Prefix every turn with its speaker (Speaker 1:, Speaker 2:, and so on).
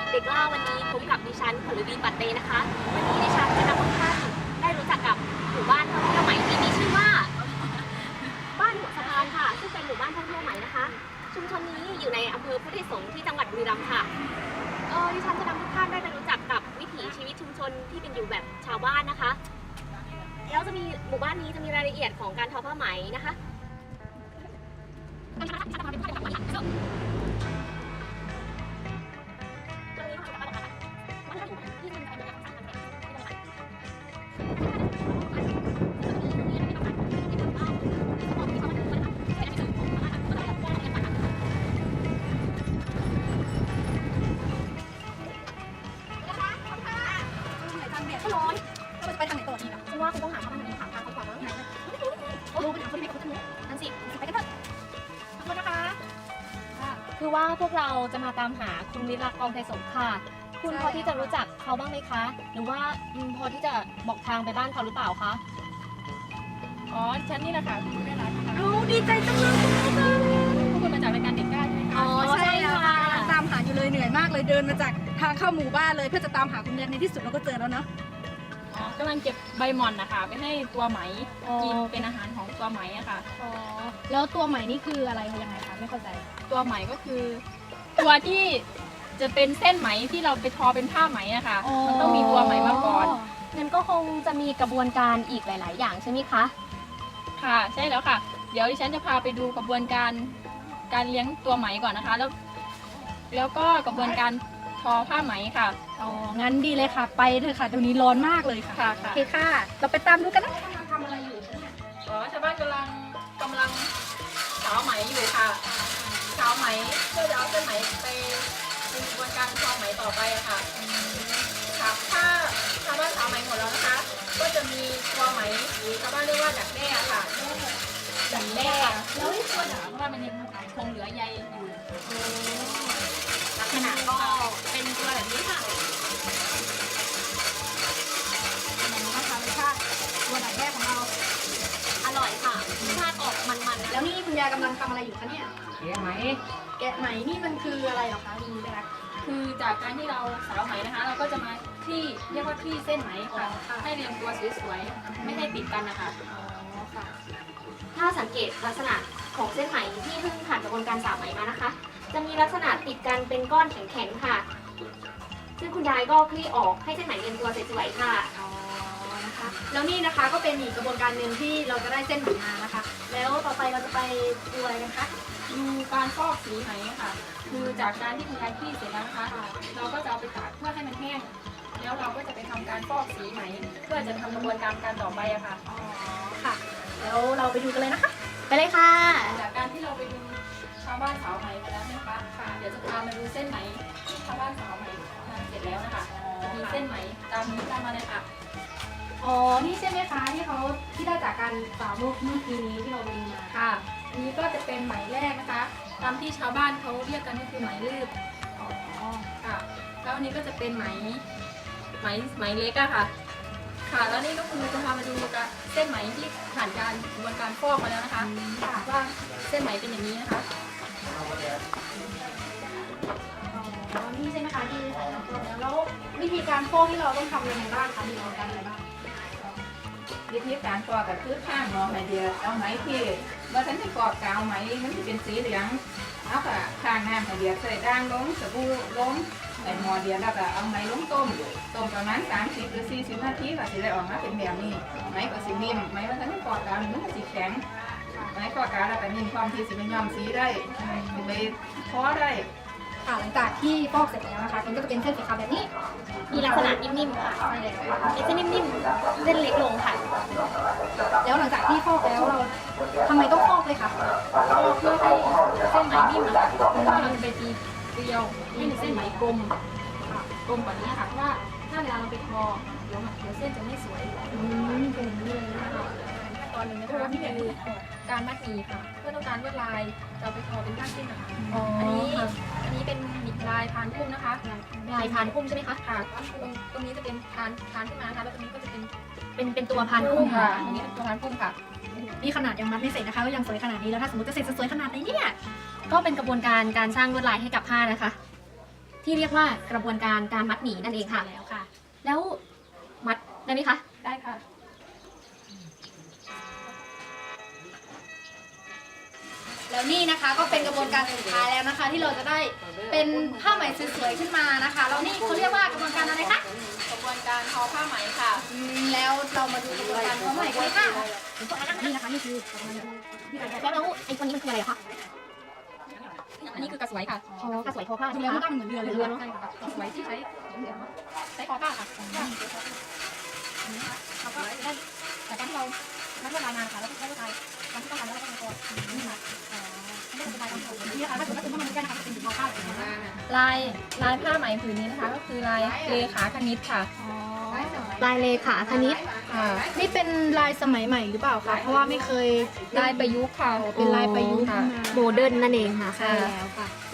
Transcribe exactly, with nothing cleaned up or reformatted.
Speaker 1: เด็กล่าวันนี้พบกับดิฉันผลวีปัตเตนะคะ วันนี้ดิฉันจะนำทุกท่านได้รู้จักกับหมู่บ้านท่องเที่ยวใหม่ที่มีชื่อว่าบ้านหัวสะพานค่ะซึ่งเป็นหมู่บ้านท่องเที่ยวใหม่นะคะ ชุมชนนี้อยู่ในอำเภอพุทธไทยสงฆ์ที่จังหวัดบุรีรัมย์ค่ะเออดิฉันจะนำทุกท่านได้ไปรู้จักกับวิถีชีวิตชุมชนที่เป็นอยู่แบบชาวบ้านนะคะแล้วจะมีหมู่บ้านนี้จะมีรายละเอียดของการทอผ้าไหมนะคะร้อนไปทางไหนต่อดีอ่ะฉันว่าคุณต้องหาทางไหนหาทางเขาก่อนแล้วไหนรู้ไปถามคนที่เขาทางนี้นั่นสิไปกันเถอะขอบคุณนะคะคือว่าพวกเราจะมาตามหาคุณวิรักกองไทยสงฆ์ค่ะคุณพอที่จะรู้จักเขาบ้างไหมคะหรือว่าพอที่จะบอกทางไปบ้านเขาหรือเปล่าคะ
Speaker 2: อ๋อฉันนี่แหละค่ะคุณแม่รักค่ะ
Speaker 1: เอาดีใจจังเลย
Speaker 2: พวกคุณมาจากรายการเด็กกล้าใช่ไหมคะ
Speaker 1: อ๋อใช่ค่ะ
Speaker 3: ตามหาอยู่เลยเหนื่อยมากเลยเดินมาจากทางเข้าหมู่บ้านเลยเพื่อจะตามหาคุณเรียนในที่สุดเราก็เจอแล้วเนาะ
Speaker 2: อ๋อกำลังเก็บใบหม่อนนะคะไปให้ตัวไหมกินเป็นอาหารของตัวไหมอะค่ะ
Speaker 3: อ๋อแล้วตัวใหม่นี่คืออะไรยังไงคะไม่เข้าใจ
Speaker 2: ตัวไหมก็คือ ตัวที่จะเป็นเส้นไหมที่เราไปทอเป็นผ้าไหมอะค่ะมันต้องมีตัวไหมมาก่อน
Speaker 1: งั้นก็คงจะมีกระบวนการอีกหลาย ๆ อย่างใช่ไหมคะ
Speaker 2: ค่ะใช่แล้วค่ะเดี๋ยวดิฉันจะพาไปดูกระบวนการการเลี้ยงตัวไหมก่อนนะคะแล้วแล้วก็กระบวนการทอผ้าไหมค่ะ
Speaker 3: อ๋องั้นดีเลยค่ะไปเถอะค่ะตรงนี้ร้อนมากเลยค่ะ
Speaker 2: ค่ะ
Speaker 3: โอเคค่ะเราไปตามดูกันนะทำอะไรอยู่
Speaker 2: อ๋อชาวบ้านกำลังกำลังสาวไหมอยู่ค่ะสาวไหมเพื่อจะเอาเส้นไหมไปเป็นกระบวนการทอไหมต่อไปค่ะค่ะถ้าชาวบ้านสาวไหมหมดแล้วนะคะก็จะมีตัวไหมหรือชาวบ้านเรียกว่าดักแด้ค่ะดักแด้แล้วตัวดักเพราะว่ามันยังคงเหลือใยอยู่
Speaker 1: ลักษณะก็เป็นตัวแบบนี้ค่ะ
Speaker 3: อันนี้นะคะรสชาติตัวดักแด้ของเรา
Speaker 1: อร่อยค่ะรสชาติออกมันๆ
Speaker 3: แล้วนี่คุณยายกำลังทำอะไรอยู่คะเนี่ย
Speaker 2: แกะไหม
Speaker 3: แกะไหมนี่มันคืออะไรหรอคะคุณไปรัก
Speaker 2: คือจากการที่เราสาวไหมนะคะเราก็จะมาคลี่เรียกว่าคลี่เส้นไหมค่ะให้เรียงตัวสวยๆไม่ให้ติดกันนะคะ
Speaker 3: อ๋อค่ะ
Speaker 1: ถ้าสังเกตลักษณะของเส้นไหมที่เพิ่งผ่านกระบวนการสาวไหมมานะคะจะมีลักษณะติดกันเป็นก้อนแข็งๆค่ะซึ่งคุณยายก็คลี่ออกให้เส้นไหมเรียงตัวสวยๆค่ะ
Speaker 3: อ๋อนะคะแล้วนี่นะคะก็เป็นอีกกระบวนการหนึ่งที่เราจะได้เส้นไหมมานะคะแล้วต่อไปเราจะไปดูอะไรกันคะ
Speaker 2: ดูการฟอกสีไหมค่ะคือจากการที่คุณยายคลี่เสร็จแล้วนะคะเราก็จะเอาไปตากเพื่อให้มันแห้งแล้วเราก็จะไปทำการฟอกสีไหมเพื่อจะทำกระบวนการการต่อไปอะค่ะ
Speaker 3: อ๋อค่ะแล้วเราไปดูกันเลยนะคะ
Speaker 1: ไปเลยค่ะ
Speaker 2: จากการที่เราไปดูชาวบ้านสาวไหมมาแล้วนะคะค่ะเดี๋ยวจะพามาดูเส้นไหมที่ชาวบ้านสาวไหมทำเสร็จแล้วนะคะมีเส้นไหมตามนี้ตามมาเลยค่ะ
Speaker 3: อ๋อนี่ใช่ไหมคะที่เขาที่ได้จากการสาวเมื่อกี้นี้ที่เราไปดูมา
Speaker 2: ค่ะอันนี้ก็จะเป็นไหมแรกนะคะตามที่ชาวบ้านเขาเรียกกันก็คือไหมลืบ
Speaker 3: อ๋อ
Speaker 2: ค่ะแล้วอันนี้ก็จะเป็นไหมไหมไหมเล็กอะค่ะค่ะแล้วนี่ก็คือจะพามาดูกับเส้นไหมที่ผ่านการกระบวนการฟอกมาแล้วนะคะว่าเส้นไหมเป็นอย่างนี้นะคะ
Speaker 3: อ๋อนี่ใช่ไหมคะที่ใส่น้ำฟอกแล้วแล้ววิธีการฟอกที่เราต้องทำยังไงบ้างคะมีกระบวนการอะไรบ้าง
Speaker 4: วิธีการฟอกก็คือข้างมองไหมเดียวเอาไหมที่เมื่อฉันจะฟอกกาวไหมมันจะเป็นสีเหลืองเอาค่ะข้างน้ำไหมเดียวใส่ด่างลงสบู่ลงใส่หม้อเดียวแล้วก็เอาไหมลงต้มต้มประมาณสามสิบหรือสี่สิบนาทีก็จะได้ออกมาเป็นแบบนี้ไหมก็สีนิ่มไหมว่าฉันจะฟอกกาวมันก็สีแข็งไหมฟอกกาวแล้วก็นิ่มความที่สีมันย้อมสีได้ไปพอได้
Speaker 3: ค่ะหลังจากที่ฟอกเสร็จแล้วนะคะมันก็จะเป็นเส้นสีขาวแบบนี้
Speaker 1: มีลักษณะนิ่มๆค่ะ
Speaker 3: ใช่แล้ว
Speaker 1: เป็นเส้นนิ่มๆเส้นเล็กลงค่ะ
Speaker 3: แล้วหลังจากที่ฟอกแล้วเราทำไมต้องฟอกเลยคะ
Speaker 2: ฟอกเพื่อให้เส้นไหมนิ่มนะคะเราจะไปตีเกลียวให้เส้นไหมกลมกลมแบบนี้ค่ะว่าถ้าเวลาเราไปทอเดี๋ยวเดี๋ยวเส้นจะไม่สวย
Speaker 3: อืมเป็นเลยนะคะ
Speaker 2: ตอนหนึ่งนะคะที่คือการมัดหมี่ค่ะเพื่อต้องการลวดลายจะไปทอเป็นก้านเส้นนะคะอันนี้อันนี้เป็นหมี่ลายพานพุ่มนะคะ
Speaker 1: ลายพานพุ่มใช่ไหมคะ
Speaker 2: ค่ะตรงตรงนี้จะเป็นพานพานขึ้นมานะคะแล้วตรงนี้ก็จะเป็น
Speaker 1: เป็นเป็นตัวพานพุ่ม
Speaker 2: ค่ะอันนี้เป็นตัวพานพุ่มค่ะ
Speaker 3: นี่ขนาดยังมัดไม่เสร็จนะคะก็ยังสวยขนาดนี้แล้วถ้าสมมติจะเสร็จจะสวยขนาดไหนเนี่ย
Speaker 1: ก็เป็นกระบวนการการสร้างลวดลายให้กับผ้านะคะที่เรียกว่ากระบวนการการมัดหมี่นั่นเองค่ะ
Speaker 3: แล้วค่ะ
Speaker 1: แล้วมัดได้ไหมคะ
Speaker 3: ได้ค่ะ แล้วนี่นะคะก็เป็นกระบวนการสุดท้ายแล้วนะคะ ที่เราจะได้เป็นผ้าไหมสวยๆขึ้นมานะคะแล้วนี่เขาเรียกว่ากระบวนการอะไรคะ
Speaker 2: กระบวนการทอผ้าไหมค่ะ
Speaker 3: อืมแล้วเรามาดูกระบวนการผ้าไหมกันเลยค่ะ
Speaker 1: นี่นะคะนี่คือแล้วแล้วไอ้ตัวนี้มันคืออะไรคะ
Speaker 2: อันนี้คือกระสวยค่ะ
Speaker 1: อ๋อกระสวยทอผ้า
Speaker 3: ดู
Speaker 1: ใช่ไหม
Speaker 3: แล้ว
Speaker 1: คะ
Speaker 3: มันก็เหมือนเรือเลย
Speaker 1: เรือเนาะ
Speaker 3: ใช่ค่ะ
Speaker 2: กระสวยที่ใช้ใช้คอผ้าค่ะ
Speaker 3: เราก็ได้จากการที่เรามัดลวดลายมาค่ะแล้วก็ได้ลวดลายตามที่ต้องการแล้วก็มาต่อนี่ค่ะอ๋อไม่ได้สบายตามที่เรานี่นะคะถ้าเกิดว่าคุณต้องมาดูกันนะคะเป็นทอผ้าแบบนี้นะคะ
Speaker 2: ลายลายผ้าไหมผืนนี้นะคะ ก็คือลายเลขาคณิตค่ะ
Speaker 3: อ๋อ
Speaker 1: ลายเลขาคณิต
Speaker 2: ค่ะ
Speaker 3: นี่เป็นลายสมัยใหม่หรือเปล่าคะเพราะว่าไม่เคย
Speaker 2: ลายประยุกต์ค่ะ
Speaker 3: เป็นลายประยุกต์
Speaker 2: ค่ะ
Speaker 3: มา
Speaker 1: โมเดิร์นนั่นเองค่ะ
Speaker 3: ใช่แล้วค่ะ